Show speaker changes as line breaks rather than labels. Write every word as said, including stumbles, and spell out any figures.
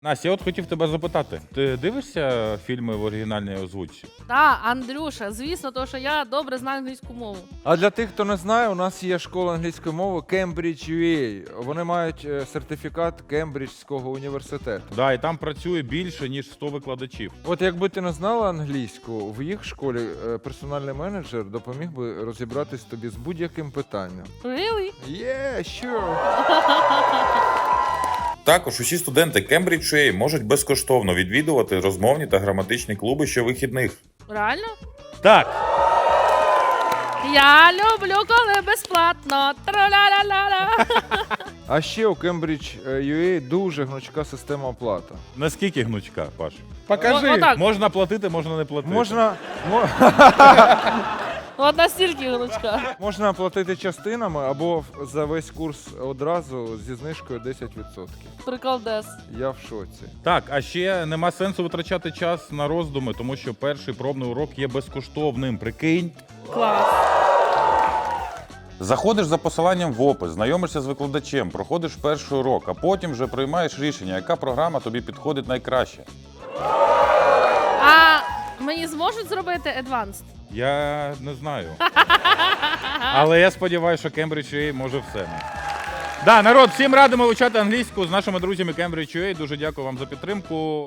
Настя, я от хотів тебе запитати. Ти дивишся фільми в оригінальній озвучці?
Так, Андрюша, звісно, тому що я добре знаю англійську мову.
А для тих, хто не знає, у нас є школа англійської мови Cambridge ю ей. Вони мають е, сертифікат Кембриджського університету.
Да, і там працює більше, ніж сто викладачів.
От якби ти не знала англійську, в їх школі е, персональний менеджер допоміг би розібратись тобі з будь-яким питанням.
Really?
Yeah, sure.
Також усі студенти Cambridge ю ей можуть безкоштовно відвідувати розмовні та граматичні клуби щовихідних.
Реально?
Так,
Я люблю, коли безплатно. Тра-ля-ля-ля-ля.
А ще у Cambridge ю ей дуже гнучка система оплати.
наскільки гнучка, Паш?
Покажи. О- отак.
Можна платити, можна не платити.
Можна, мо-
От настільки гнучка.
можна платити частинами або в- за весь курс одразу зі знижкою десять відсотків.
Приколдес.
Я в шоці.
Так, а ще нема сенсу витрачати час на роздуми, тому що перший пробний урок є безкоштовним. Прикинь.
Клас.
Заходиш за посиланням в опис, знайомишся з викладачем, проходиш перший урок, а потім вже приймаєш рішення, яка програма тобі підходить найкраще.
А мені зможуть зробити advanced?
Я не знаю. Але я сподіваюся, що Cambridge ю ей може все. Да, народ, всім радимо вивчати англійську з нашими друзями Cambridge ю ей. Дуже дякую вам за підтримку.